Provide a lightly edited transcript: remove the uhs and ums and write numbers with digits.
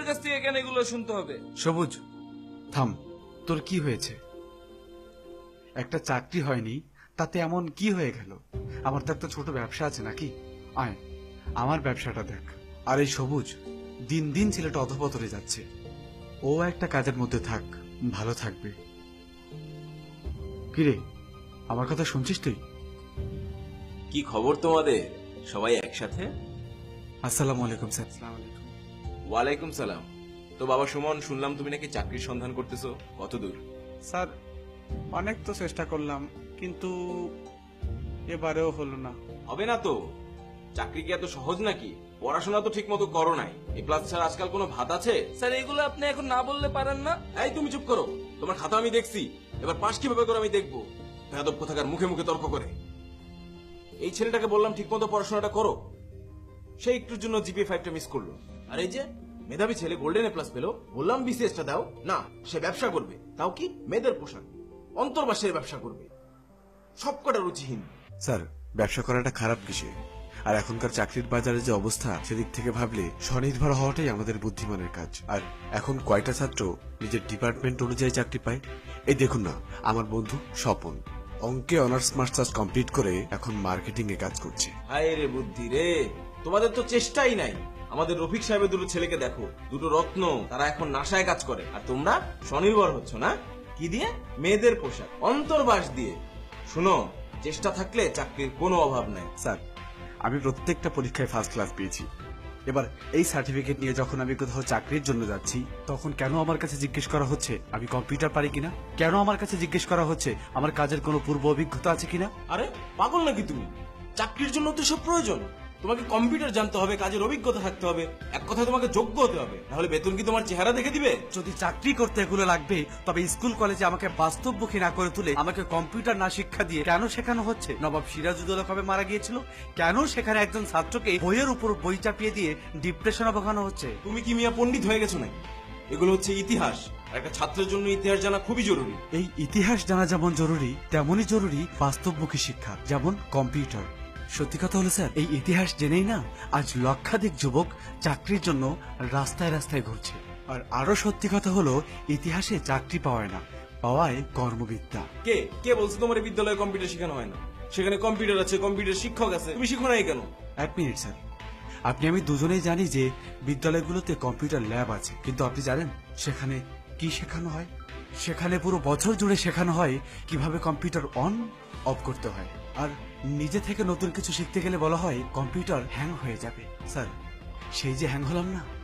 কাছ থেকে কেন এগুলো শুনতে হবে? সবুজ, থাম। তোর কি হয়েছে? একটা চাকরি হয়নি, তাতে এমন কি হয়ে গেল? আমার তো একটা ছোট ব্যবসা আছে নাকি? আয়, আমার ব্যবসাটা দেখ। আর এই সবুজ, দিন দিন ছেলেটা অধপতনে যাচ্ছে। ও একটা কাজের মধ্যে থাক, ভালো থাকবে। কিরে, আমার কথা শুনছিস তুই? কি খবর তোমাদের? সবাই একসাথে? আসসালামু আলাইকুম স্যার। ওয়ালাইকুম সালাম। তো বাবা সুমন, শুনলাম তুমি নাকি চাকরির সন্ধান করতেছো, কত দূর? স্যার, অনেক তো চেষ্টা করলাম, কিন্তু এবারেও হলো না। হবে না তো? চাকরি কি এত সহজ নাকি? পড়াশোনা তো ঠিক মতো করো নাই। এ প্লাস ছাড়া আজকাল কোনো ভাত আছে? স্যার এগুলো আপনি এখন না বললে পারেন না? এই তুমি চুপ করো। তোমার খাতা আমি দেখছি, এবার পাশ কিভাবে করে আমি দেখবো। বেয়াদব কোথাকার মুখে মুখে তর্ক করে। এই ছেলেটাকে বললাম ঠিক মতো পড়াশোনাটা করো, সে একটুর জন্য জিপিএ 5টা মিস করলো। আর এই যে মেধাবী ছেলে গোল্ডেন এ প্লাস পেলো, বললাম বিসিএসটা দাও না, সে ব্যবসা করবে, তাও কি মেয়েদের পোশাক, অন্তর্বাসের ব্যবসা করবে। সবকটা রুচিহীন। স্যার, ব্যবসা করাটা খারাপ কিসে? আর এখনকার চাকরির বাজারে যে অবস্থা, সেদিক থেকে ভাবলে স্বনির্ভর হওয়াটাই আমাদের বুদ্ধিমানের কাজ। আর এখন কয়টা ছাত্র নিজের ডিপার্টমেন্ট অনুযায়ী চাকরি পায়? এই দেখুন না, আমার বন্ধু স্বপন অঙ্কে অনার্স মাস্টার্স কমপ্লিট করে এখন মার্কেটিং এ কাজ করছে। হায় রে বুদ্ধি রে, তোমাদের তো চেষ্টাই নাই। আমাদের রফিক সাহেবের দুটো ছেলেকে দেখো, দুটো রত্ন, তারা এখন নাসায় কাজ করে। আর তোমরা স্বনির্ভর হচ্ছ না? কি দিয়ে? মেয়েদের পোশাক, অন্তর্বাস দিয়ে। শুনো, চেষ্টা থাকলে চাকরির কোনো অভাব নাই। স্যার, আমি প্রত্যেকটা পরীক্ষায় ফার্স্ট ক্লাস পেয়েছি। এবার এই সার্টিফিকেট নিয়ে যখন আমি কোথাও চাকরির জন্য যাচ্ছি, তখন কেন আমার কাছে জিজ্ঞেস করা হচ্ছে আমি কম্পিউটার পারি কিনা? কেন আমার কাছে জিজ্ঞেস করা হচ্ছে আমার কাজের কোনো পূর্ব অভিজ্ঞতা আছে কিনা? আরে পাগল নাকি তুমি? চাকরির জন্য তো সব প্রয়োজন। তোমাকে কম্পিউটার জানতে হবে, কাজের অভিজ্ঞতা থাকতে হবে, এক কথায় তোমাকে যোগ্য হতে হবে, নাহলে বেতন কি তোমার চেহারা দেখে দিবে? যদি চাকরি করতে এগুলো লাগবে, তবে স্কুল কলেজে আমাকে বাস্তবমুখী না করে তুলে আমাকে কম্পিউটার না শিক্ষা দিয়ে কেন শেখানো হচ্ছে? নবাব সিরাজউদ্দৌলা কবে মারা গিয়েছিল? কেন সেখানে একজন ছাত্রকে বইয়ের উপর বই চাপিয়ে দিয়ে ডিপ্রেশনে ভোগানো হচ্ছে? তুমি কি মিয়া পণ্ডিত হয়ে গেছো নাকি? এগুলো হচ্ছে ইতিহাস, আর একটা ছাত্রের জন্য ইতিহাস জানা খুবই জরুরি। এই ইতিহাস জানা যেমন জরুরি, তেমনই জরুরি বাস্তবমুখী শিক্ষা, যেমন কম্পিউটার। সত্যি কথা হলো স্যার, এই ইতিহাস জেনেই না আজ লক্ষাধিক যুবক চাকরির জন্য রাস্তায় রাস্তায় ঘুরছে। আর আরো সত্যি কথা হলো, ইতিহাসে চাকরি পাওয়ায় না, পাওয়ায় কর্মবিদ্যা। কে কে বলছে তোমার এই বিদ্যালয়ে কম্পিউটার শেখানো হয় না? সেখানে কম্পিউটার আছে, কম্পিউটার শিক্ষক আছে, তুমি শিখো নাই কেন? এক মিনিট স্যার, আপনি আমি দুজনেই জানি যে বিদ্যালয়গুলোতে কম্পিউটার ল্যাব আছে, কিন্তু আপনি জানেন সেখানে কি শেখানো হয়? সেখানে পুরো বছর জুড়ে শেখানো হয় কিভাবে কম্পিউটার অন অফ করতে হয়। আর নিজে থেকে নতুন কিছু শিখতে গেলে বলা হয় কম্পিউটার হ্যাং হয়ে যাবে। স্যার, সেই যে হ্যাং হলাম না,